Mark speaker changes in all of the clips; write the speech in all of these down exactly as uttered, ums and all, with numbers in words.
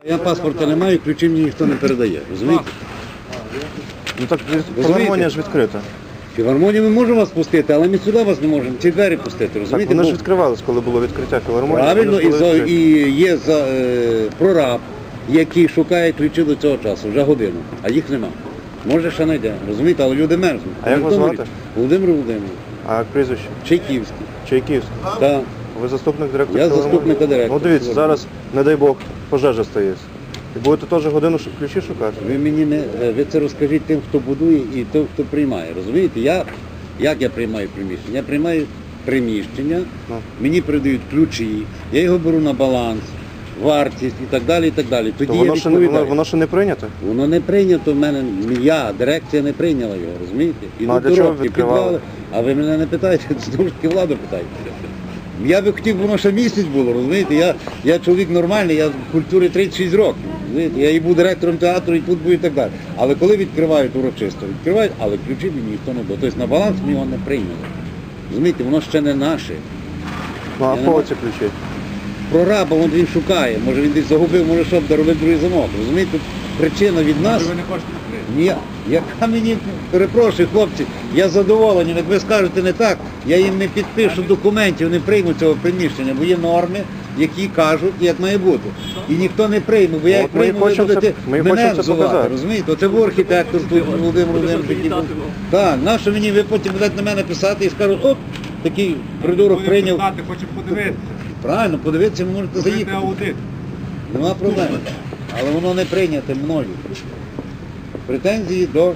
Speaker 1: Я паспорта не маю, ключі мені ніхто не передає, розумієте?
Speaker 2: Ну так філармонія ж відкрита.
Speaker 1: Філармонію ми можемо вас пустити, але ми сюди вас не можемо, ці двері пустити,
Speaker 2: Так,
Speaker 1: розумієте?
Speaker 2: вони ж
Speaker 1: Бо
Speaker 2: відкривались, коли було відкриття філармонії.
Speaker 1: правильно,
Speaker 2: вони
Speaker 1: і,
Speaker 2: ж були
Speaker 1: за,
Speaker 2: відкриті.
Speaker 1: і є за, е, прораб, який шукає ключі до цього часу, вже годину, а їх нема. Може ще знайде, розумієте, але люди мерзнуть.
Speaker 2: А як вас
Speaker 1: Володимир-
Speaker 2: звати?
Speaker 1: Володимир Володимирович,
Speaker 2: А як прізвище?
Speaker 1: Чайківський.
Speaker 2: Чайківський.
Speaker 1: Так.
Speaker 2: Ви заступник директора
Speaker 1: Я
Speaker 2: філармонії?
Speaker 1: заступника директора
Speaker 2: Ну дивіться,
Speaker 1: філармонії.
Speaker 2: зараз, не дай Бог, пожежа стається. І будете теж годину ш- ключі шукати?
Speaker 1: Ви мені не ви це розкажіть тим, хто будує і тим, хто приймає. Розумієте? Я як я приймаю приміщення? Я приймаю приміщення,
Speaker 2: Ну.
Speaker 1: мені передають ключі, я його беру на баланс, вартість і так далі. І так далі. Тоді
Speaker 2: То
Speaker 1: я
Speaker 2: воно ще, не, воно,
Speaker 1: відповідаю.
Speaker 2: воно ще не прийнято?
Speaker 1: Воно не прийнято в мене, я, дирекція не прийняла його, розумієте? І
Speaker 2: Ну, а для чого
Speaker 1: коробки,
Speaker 2: відкривали?
Speaker 1: підвали. А ви мене не питаєте, знову ж таки владу питаєте. Я би хотів, воно ще місяць було, розумієте? Я, я чоловік нормальний, я в культурі тридцять шість років. Розумієте? Я і був директором театру, і тут був і так далі. Але коли відкривають урочисто, відкривають, але ключі мені ніхто не дав. Тобто на баланс ми його не прийняли. Розумієте, воно ще не наше.
Speaker 2: Ну а
Speaker 1: Я не
Speaker 2: кого
Speaker 1: маю.
Speaker 2: ці ключі?
Speaker 1: Прораба, от він шукає, може він десь загубив, може що, доробив другий замок. Розумієте, тут причина від нас.
Speaker 3: Ви не хочете відкрити?
Speaker 1: Ні, яка мені, перепрошую, хлопці, я задоволений, як ви скажете не так, я їм не підпишу документів, не прийму цього приміщення, бо є норми, які кажуть, як має бути. І ніхто не прийме, бо я як
Speaker 2: От ми і
Speaker 1: прийму, ви
Speaker 2: хочемо це-
Speaker 1: будете
Speaker 2: ми і
Speaker 1: мене
Speaker 2: хочемо це
Speaker 1: взувати,
Speaker 2: показати.
Speaker 1: розумієте? Оце був архітектор тут, Володимир Володимирович, який був. Так, нащо мені, ви потім будете на мене писати і скажуть, оп, такий придурок
Speaker 3: Будемо
Speaker 1: прийняв.
Speaker 3: писати, хочемо подивитися.
Speaker 1: Правильно, подивитися, ви можете
Speaker 3: Зробити
Speaker 1: заїхати.
Speaker 3: аудит.
Speaker 1: Нема проблем. Але воно не прийняте мною. Претензії до...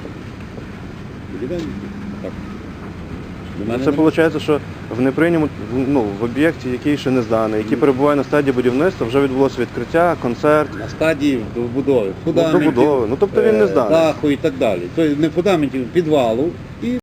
Speaker 1: Так. До мене
Speaker 2: Це
Speaker 1: нема.
Speaker 2: виходить, що в неприйнятому, ну, в об'єкті, який ще не зданий, який перебуває на стадії будівництва, вже відбулося відкриття, концерт,
Speaker 1: На стадії добудови.
Speaker 2: ну, добудови. Ну тобто він не
Speaker 1: е,
Speaker 2: зданий.
Speaker 1: даху і так далі. Тобто не фундаментів, підвалу. І